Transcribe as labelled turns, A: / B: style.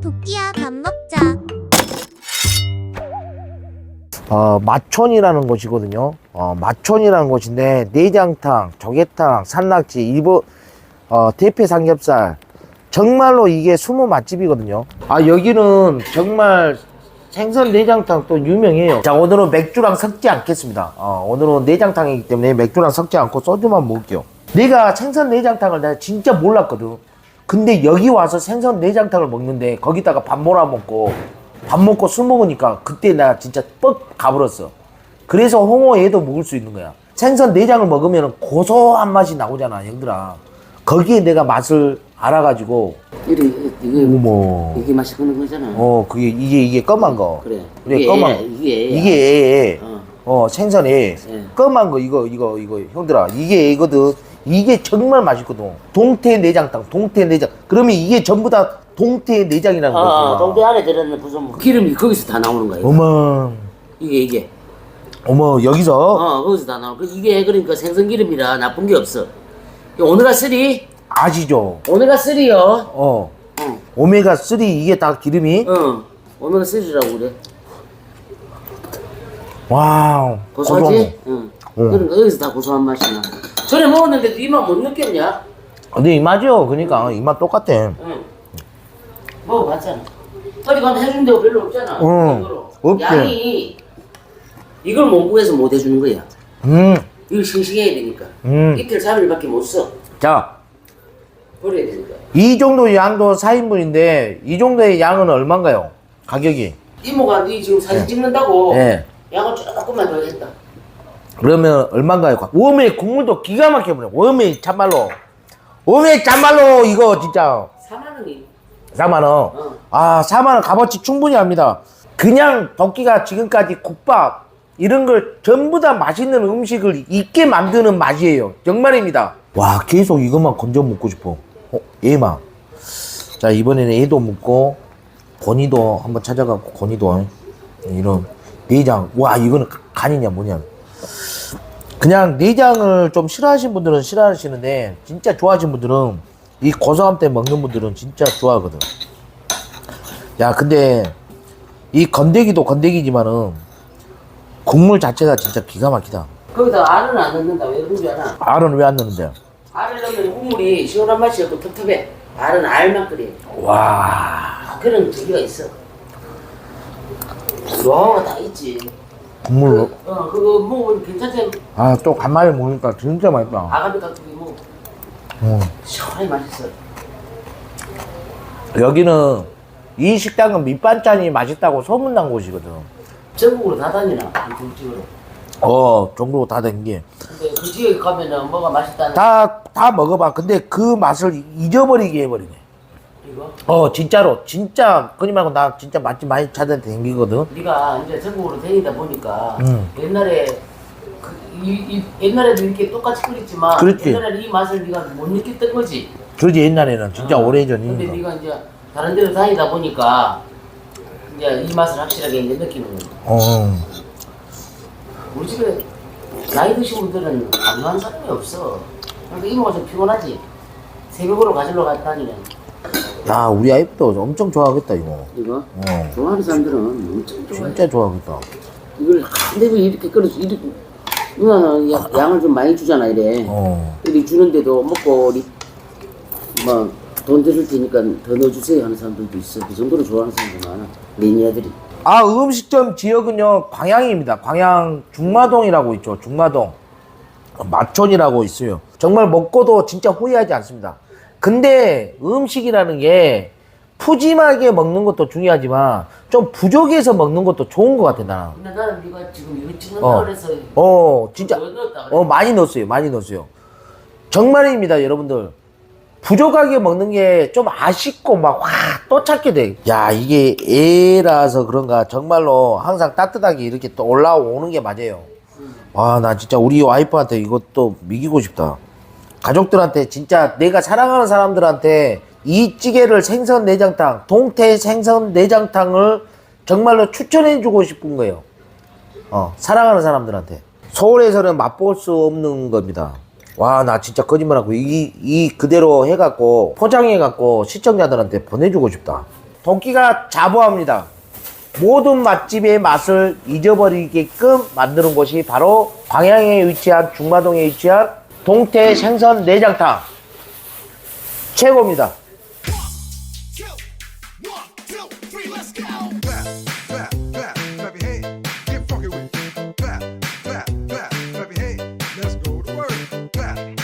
A: 도끼야 밥 먹자.
B: 마촌이라는 곳이거든요. 마촌이라는 곳인데 내장탕, 조개탕, 산낙지, 일본 대패 삼겹살, 정말로 이게 숨은 맛집이거든요. 여기는 정말 생선 내장탕 또 유명해요. 자, 오늘은 맥주랑 섞지 않겠습니다. 오늘은 내장탕이기 때문에 맥주랑 섞지 않고 소주만 먹을게요. 내가 생선 내장탕을 내가 진짜 몰랐거든. 근데 여기 와서 생선 내장탕을 먹는데 거기다가 밥 몰아 먹고 밥 먹고 술 먹으니까 그때 나 진짜 뻑 가버렸어. 그래서 홍어회도 먹을 수 있는 거야. 생선 내장을 먹으면 고소한 맛이 나오잖아, 형들아. 거기에 내가 맛을 알아가지고.
C: 이게 맛있는 거잖아.
B: 이게 검은 거.
C: 그래.
B: 그래, 검은 이게 생선에
C: 예.
B: 검은 거 이거 형들아, 이게 애거든. 이게 정말 맛있거든. 동태 내장탕, 동태 내장. 그러면 이게 전부 다 동태 내장이라는 거지.
C: 동태 안에 들어있는 무슨 기름이 거기서 다 나오는 거야.
B: 어머.
C: 이게.
B: 어머, 여기서?
C: 거기서 다 나오고. 이게 그러니까 생선 기름이라 나쁜 게 없어. 오메가3?
B: 아시죠?
C: 오메가3요.
B: 오메가3 이게 다 기름이?
C: 오메가3라고 그래.
B: 와우.
C: 고소하지? 그러니까 여기서 다 고소한 맛이 나. 전에 먹었는데도 이 맛 못 느꼈냐?
B: 근데 이 맛이요. 그러니까 이 맛 똑같아.
C: 먹어봤잖아. 어디 가면 해주는 데가 별로 없잖아.
B: 없지.
C: 양이 이걸 못 구해서 못 해주는 거야. 이걸 싱싱해야 되니까. 이틀 3일밖에 못 써.
B: 자,
C: 버려야 되니까.
B: 이 정도 양도 4인분인데 이 정도의 양은 얼마인가요? 가격이?
C: 이모가 네 지금 사진 찍는다고
B: 네.
C: 양을 조금만 더 했다.
B: 그러면 얼마인가요? 웜의 국물도 기가 막혀버려. 웜의 참말로. 웜의 참말로 이거 진짜
C: 4만 원이.
B: 4만원. 4만원 값어치 충분히 합니다. 그냥 덕기가 지금까지 국밥 이런 걸 전부 다 맛있는 음식을 있게 만드는 맛이에요. 정말입니다. 와, 계속 이것만 건져 먹고 싶어. 얘만. 자, 이번에는 얘도 먹고 고니도 한번 찾아가고 고니도 이런 내장. 와, 이거는 간이냐 뭐냐. 그냥 내장을 좀 싫어하시는 분들은 싫어하시는데 진짜 좋아하시는 분들은 이 고소함 때 먹는 분들은 진짜 좋아하거든. 야, 근데 이 건더기도 건더기지만은 국물 자체가 진짜 기가 막히다.
C: 거기다 알은 안 넣는다. 왜 그런 줄 알아?
B: 알은 왜 안 넣는데?
C: 알을 넣으면 국물이 시원한 맛이 없고 텁텁해. 알은 알만 끓여.
B: 와,
C: 그런 저기가 있어. 노하우가 다 있지.
B: 국물로.
C: 그거 먹으면 괜찮지?
B: 또 간만에 먹으니까 진짜 맛있다.
C: 아가미 깍두기 먹어. 시원하게 맛있어.
B: 여기는 이 식당은 밑반찬이 맛있다고 소문난 곳이거든.
C: 전국으로 다 다니나? 이 집으로.
B: 정도 다 된 게.
C: 근데 그 지역에 가면은 뭐가 맛있다는.
B: 다 먹어봐. 근데 그 맛을 잊어버리게 해버리네.
C: 이거?
B: 진짜로. 진짜, 그니 말고 나 진짜 맛집 많이 찾아다니거든.
C: 네가 이제 전국으로 다니다 보니까 옛날에 옛날에도 이렇게 똑같이 끓였지만
B: 그렇지.
C: 옛날에는 이 맛을 네가 못 느꼈던 거지.
B: 그러지, 옛날에는 진짜
C: 근데
B: 오래전이니까.
C: 네가 이제 다른 데로 다니다 보니까 이제 이 맛을 확실하게 이제 느끼는 거야. 우리 집에 나이 드신 분들은 안 좋아하는 사람이 없어. 그러니까 이모가 좀 피곤하지. 새벽으로 가지러 다니는.
B: 야, 우리 아이도 엄청 좋아하겠다, 이거.
C: 이거? 좋아하는 사람들은 엄청 좋아해.
B: 진짜 좋아하겠다.
C: 이걸 근데 왜 이렇게 끓여서 이렇게 누나는 양을 좀 많이 주잖아 이래. 이렇게 주는데도 먹고 우리 돈 드릴 테니까 더 넣어주세요 하는 사람들도 있어. 그 정도로 좋아하는 사람들 많아. 매니아들이.
B: 음식점 지역은요, 광양입니다. 광양 중마동이라고 있죠. 중마동. 마촌이라고 있어요. 정말 먹고도 진짜 후회하지 않습니다. 근데 음식이라는 게 푸짐하게 먹는 것도 중요하지만 좀 부족해서 먹는 것도 좋은 것 같아, 나는.
C: 근데 나는 네가 지금 이거 찍는다 그래서
B: 진짜.
C: 넣었다 그래.
B: 많이 넣었어요. 많이 넣었어요. 정말입니다, 여러분들. 부족하게 먹는 게 좀 아쉽고 또 찾게 돼. 야, 이게 애라서 그런가 정말로 항상 따뜻하게 이렇게 또 올라오는 게 맞아요. 와, 나 진짜 우리 와이프한테 이것도 미기고 싶다. 가족들한테 진짜 내가 사랑하는 사람들한테 이 찌개를 생선 내장탕, 동태 생선 내장탕을 정말로 추천해주고 싶은 거예요. 사랑하는 사람들한테. 서울에서는 맛볼 수 없는 겁니다. 와, 나 진짜 거짓말하고 이 그대로 해갖고 포장해갖고 시청자들한테 보내주고 싶다. 덕기가 자부합니다. 모든 맛집의 맛을 잊어버리게끔 만드는 곳이 바로 광양에 위치한 중마동에 위치한 동태 생선 내장탕 최고입니다.
A: Clap your hands, get funky with it. Clap your hands, let's go to work. Clap.